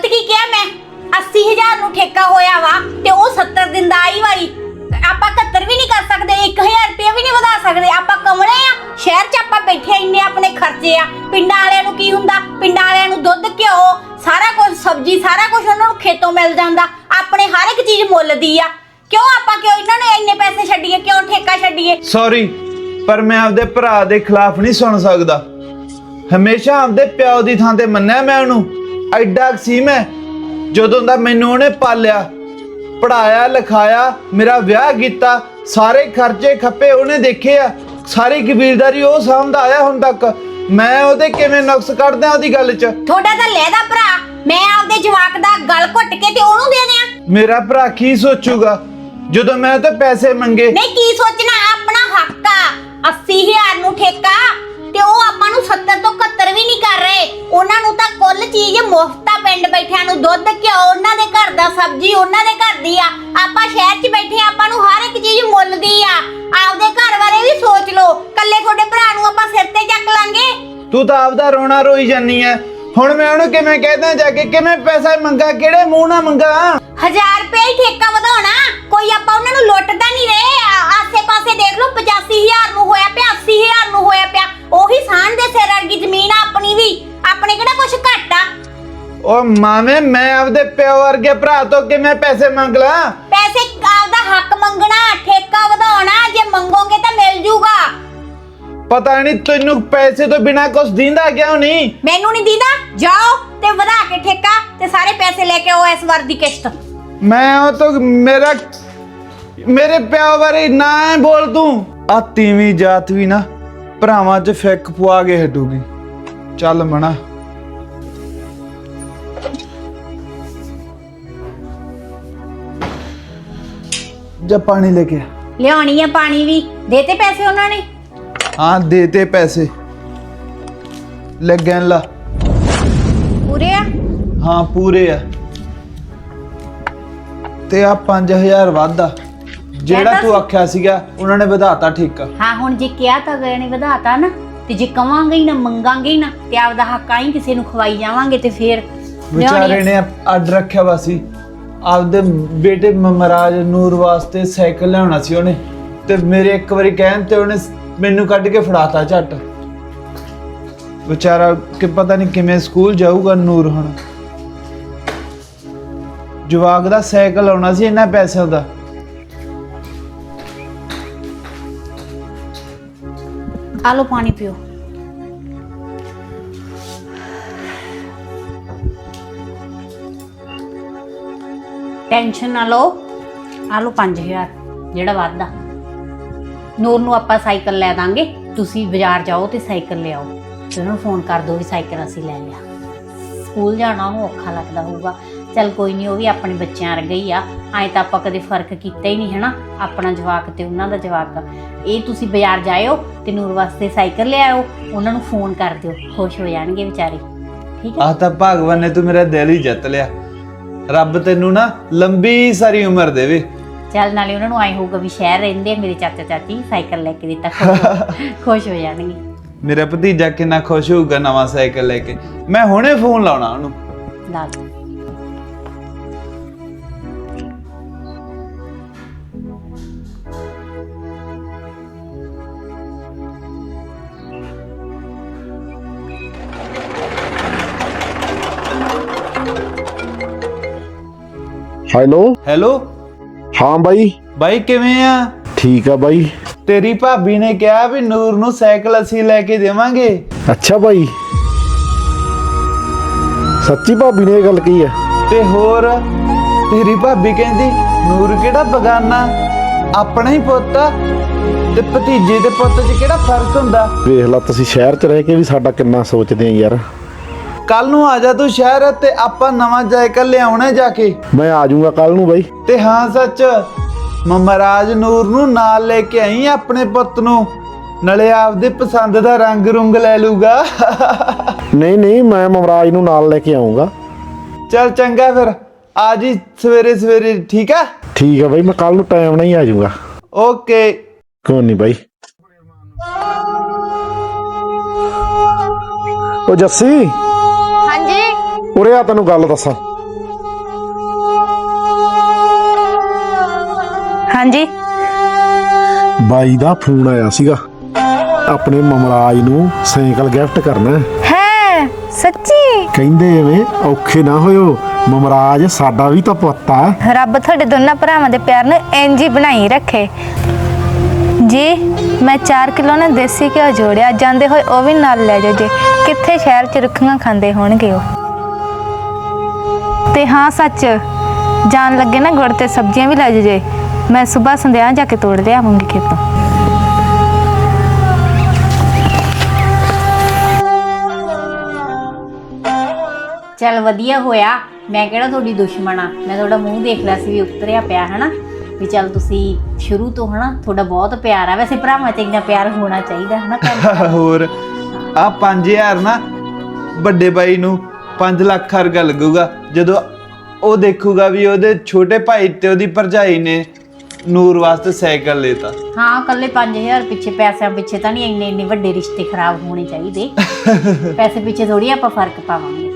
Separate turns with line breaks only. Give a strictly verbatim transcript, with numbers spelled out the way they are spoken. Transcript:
की क्या मैं अस्सी हजार नूं ठेका होया वा ते ओ सत्तर दिन दा आई वारी ਆਪਾਂ इकहत्तर भी नहीं कर सकते एक हज़ार रुपया भी नहीं ਵਧਾ ਸਕਦੇ ਆਪਾਂ ਕਮਲੇ ਆ ਸ਼ਹਿਰ 'ਚ ਆਪਾਂ ਬੈਠੇ ਇੰਨੇ ਆਪਣੇ ਖਰਚੇ ਆ ਪਿੰਡਾਂ ਵਾਲਿਆਂ ਨੂੰ ਕੀ ਹੁੰਦਾ ਪਿੰਡਾਂ ਵਾਲਿਆਂ ਨੂੰ ਦੁੱਧ ਘਿਓ ਸਾਰਾ ਕੁਝ ਸਬਜ਼ੀ ਸਾਰਾ ਕੁਝ ਉਹਨਾਂ ਨੂੰ ਖੇਤੋਂ ਮਿਲ ਜਾਂਦਾ ਆਪਣੇ ਹਰ ਇੱਕ ਚੀਜ਼ ਮੁੱਲ ਦੀ ਆ ਕਿਉਂ ਆਪਾਂ ਕਿਉਂ ਇਹਨਾਂ ਨੂੰ ਇੰਨੇ ਪੈਸੇ ਛੱਡੀਏ ਕਿਉਂ ਠੇਕਾ ਛੱਡੀਏ ਸੌਰੀ
ਪਰ ਮੈਂ ਆਪਦੇ ਭਰਾ ਦੇ ਖਿਲਾਫ ਨਹੀਂ ਸੁਣ ਸਕਦਾ ਹਮੇਸ਼ਾ ਆਪਦੇ ਪਿਓ ਦੀ ਥਾਂ ਤੇ ਮੰਨਿਆ ਮੈਂ ਉਹਨੂੰ ਐਡਾ ਸੀ ਮੈਂ ਜਦੋਂ ਦਾ ਮੈਨੂੰ ਉਹਨੇ ਪਾਲਿਆ पढ़ाया लिखाया मेरा विआह किया सारे खर्चे खप्पे उन्हें देखे आ सारी कबीलदारी वो सामदा आया हुण तक मैं ओदे किवें नुक्स कढदा ओदी गल च
थोड़ा तां लैदा भरा मैं आपदे जवाक दा गल घुट के ते ओनू दे दियां
मेरा भरा की सोचूगा जदों मैं ते पैसे मंगे
नहीं की सोचना अपना हक आ अस्सी हज़ार नूं ठेका ते ओ आपां नूं सत्तर तो इकहत्तर भी नहीं कर रहे उन्हां नूं तां कुल चीज मुफ्त पिंड बैठिया नूं दुध घिओ उन्हां दे घर दा सब्जी उन्हां दे घर दी आ आपां शहर च बैठे आपां नूं हर एक चीज मुੱਲ दी आ आपदे घर बारे भी सोच लो कल्ले थोड़े भरा नूं आपां सिर ते चक लांगे
तू तां आपदा रोना रोई जानी है हुण मैं ओहनूं किवें कहदा जाके किवें पैसा मंगा किहड़े मूंह नाल मंगा
हज़ार रुपए ही ठेका वधाउणा कोई आपां उन्हां नूं लुੱਟदा नहीं रहे आसे पासे देख लो पचासी हज़ार नूं होया पिया अस्सी हज़ार नूं होया पिया ओही साण दे सिर वर्गी जमीन आ अपनी भी अपने किहड़ा कुछ घट आ
ओ मामे मैं आपदे प्यो वर्गे भरा तो कि मैं पैसे मंग ला
पैसे आपदा हक मंगना ठेका वधाउणा जे मंगोगे तो मिल जूगा
पता नहीं तैनू पैसे तो बिना कुछ दींदा क्यों नहीं
मैनू नहीं दींदा जाओ ते वधा के ठेका ते सारे पैसे लेके आओ इस बार दी किश्त
मैं ओ तो मेरा मेरे प्यो बारे ना बोल तू आ तीवी जात भी ना भरावां च फिक पुआ के हटूगी चल मना जा पानी लेके
लियानी है पानी भी देते पैसे उन्होंने
हाँ देते पैसे लग ला
पूरे आ
हाँ पूरे आ ते आ पांच हजार वादा जेड़ा तू आख्या सीगा उन्होंने वधाता ठेका
हाँ हुण जे किया तां गए ने वधाता ना ते जे कवांगे ही ना मंगांगे ही ना ते आपदा हक आई किसी नूं खवाई जावांगे ते फिर
बेचारे ने अड रखिया वा सी आपदे बेटे ममराज नूर वास्ते साइकिल लियाना सी ओने ते मेरे एक बारी कहन ते ओने मैनू कढ के फड़ाता झट बेचारा कि पता नहीं किवें स्कूल जाऊगा नूर हुण जवाक दा साइकिल आउणा सी इन्ना पैसे दा
आ लो पानी पियो टेंशन ना लो आ लो पांच हज़ार जेड़ा वादा नूर नूं आपां साइकिल लै दांगे तुसीं बाजार जाओ ते साइकिल ले आओ ते उन्होंने फोन कर दो भी साइकिल असीं लै लिया स्कूल जाना उन्होंने औखा लगदा होऊगा चल कोई नहीं वो भी अपने बच्चों वर्गा ही आ अएं तां आपां कदे फर्क कीता ही नहीं है ना अपना जवाक ते उन्हां दा जवाक ये तुसीं बाजार जाओ ते नूर वास्ते साइकिल ले आओ उन्हां नूं फोन कर दिओ खुश हो जाणगे बेचारे ठीक है
आ तां भगवान ने तू मेरा दिल ही जित लिया रब तेनू ना लंबी सारी उम्र देवे
चल नाले उन्हां नूं आए होगा भी शहर रहिंदे मेरे चाचा चाची साइकिल लेके दिता खुश हो जाणगे
मेरा भतीजा कितना खुश होगा नवा साइकिल लेके मैं हुणे फोन लाउणा ओनू
ला दो
हेलो
हेलो
हाँ भाई
भाई किवें आ
ठीक है भाई
तेरी भाभी ने कहा भी नूर नू साइकिल असी लेके देवांगे
अच्छा भाई सच्ची भाभी ने गल की है
ते होर तेरी भाभी कहंदी नूर केड़ा बगाना अपना ही पुੱਤ ते भतीजे दे पुੱਤ च केड़ा फर्क हुंदा
वेख ला तुसीं शहर च रह के भी साडा किन्ना सोचदे आ यार
कल नू आ जा तू शहर ते आपां नवां साइकिल ले आउणे जाके
मैं आ जाऊंगा कल नू भाई
ते हाँ सच ममराज नूर नू नाल लेके आई अपने पुੱਤ नू नाले आपदे पसंद दा रंग रुंग ले लूगा
नहीं नहीं मैं ममराज नू नाल लेके आऊंगा
चल चंगा फिर आज ही सवेरे सवेरे ठीक है
ठीक है भाई मैं कल नू टाइम नहीं आ जाऊंगा
ओके
कोई नहीं भाई ओ जस्सी
हाँ जी
उरे आ तेनू गल दसां
ਹਾਂਜੀ
ਬਾਈ ਦਾ ਫੋਨ ਆਇਆ ਸੀਗਾ, ਆਪਣੇ ਮਮਰਾਜ ਨੂੰ ਸਾਈਕਲ ਗਿਫਟ ਕਰਨਾ।
ਹੈ ਸੱਚੀ?
ਕਹਿੰਦੇ ਐਵੇਂ ਔਖੇ ਨਾ ਹੋਇਓ, ਮਮਰਾਜ ਸਾਡਾ ਵੀ ਤਾਂ ਪੁੱਤ ਆ।
ਰੱਬ ਤੁਹਾਡੇ ਦੋਨਾਂ ਭਰਾਵਾਂ ਦੇ ਪਿਆਰ ਨੂੰ ਇੰਜ ਹੀ ਬਣਾਈ ਰੱਖੇ ਜੀ। ਮੈਂ ਚਾਰ ਕਿਲੋ ਨਾ ਦੇਸੀ ਘਿਓ ਜੋੜਿਆ, ਜਾਂਦੇ ਹੋਏ ਉਹ ਵੀ ਨਾਲ ਲੈ ਜਾਓ ਜੇ। ਕਿੱਥੇ ਸ਼ਹਿਰ 'ਚ ਰੁੱਖੀਆਂ ਖਾਂਦੇ ਹੋਣਗੇ ਉਹ। ਤੇ ਹਾਂ ਸੱਚ, ਜਾਣ ਲੱਗੇ ਨਾ ਗੁੜ ਤੇ ਸਬਜ਼ੀਆਂ ਵੀ ਲੈ ਜਾਓ ਜੇ। ਮੈਂ ਸਵੇਰ ਸੰਧਿਆ ਜਾ ਕੇ ਤੋੜ ਲਿਆਵਾਂਗੀ ਖੇਤੋਂ।
ਚੱਲ ਵਧੀਆ ਹੋਇਆ, ਮੈਂ ਕਿਹੜਾ ਤੁਹਾਡੀ ਦੁਸ਼ਮਣ ਆ। ਮੈਂ ਤੁਹਾਡਾ ਮੂੰਹ ਦੇਖ ਲਿਆ ਸੀ ਵੀ ਉਤਰਿਆ ਪਿਆ ਹਨਾ, ਵੀ ਚੱਲ ਤੁਸੀਂ ਸ਼ੁਰੂ ਤੋਂ ਹਨਾ ਤੁਹਾਡਾ ਬਹੁਤ ਪਿਆਰ ਆ। ਵੈਸੇ ਭਰਾਵਾਂ 'ਚ ਇੰਨਾ ਪਿਆਰ ਹੋਣਾ ਚਾਹੀਦਾ ਹਨਾ ਘਰ।
ਹੋਰ ਆ ਪੰਜ ਹਜ਼ਾਰ ਨਾ ਵੱਡੇ ਬਾਈ ਨੂੰ ਪੰਜ ਲੱਖ ਵਰਗਾ ਲੱਗੂਗਾ ਜਦੋਂ ਉਹ ਦੇਖੂਗਾ ਵੀ ਉਹਦੇ ਛੋਟੇ ਭਾਈ ਤੇ ਉਹਦੀ ਭਰਜਾਈ ਨੇ ਨੂਰ ਵਾਸਤੇ ਸਾਈਕਲ ਲੈਤਾ।
ਹਾਂ, ਕੱਲੇ ਪੰਜ ਹਜ਼ਾਰ ਪਿੱਛੇ, ਪੈਸਿਆਂ ਪਿੱਛੇ ਤਾਂ ਨਹੀਂ ਇੰਨੇ ਇੰਨੇ ਵੱਡੇ ਰਿਸ਼ਤੇ ਖਰਾਬ ਹੋਣੇ ਚਾਹੀਦੇ। ਪੈਸੇ ਪਿੱਛੇ ਥੋੜੀ ਆਪਾਂ ਫਰਕ ਪਾਵਾਂਗੇ।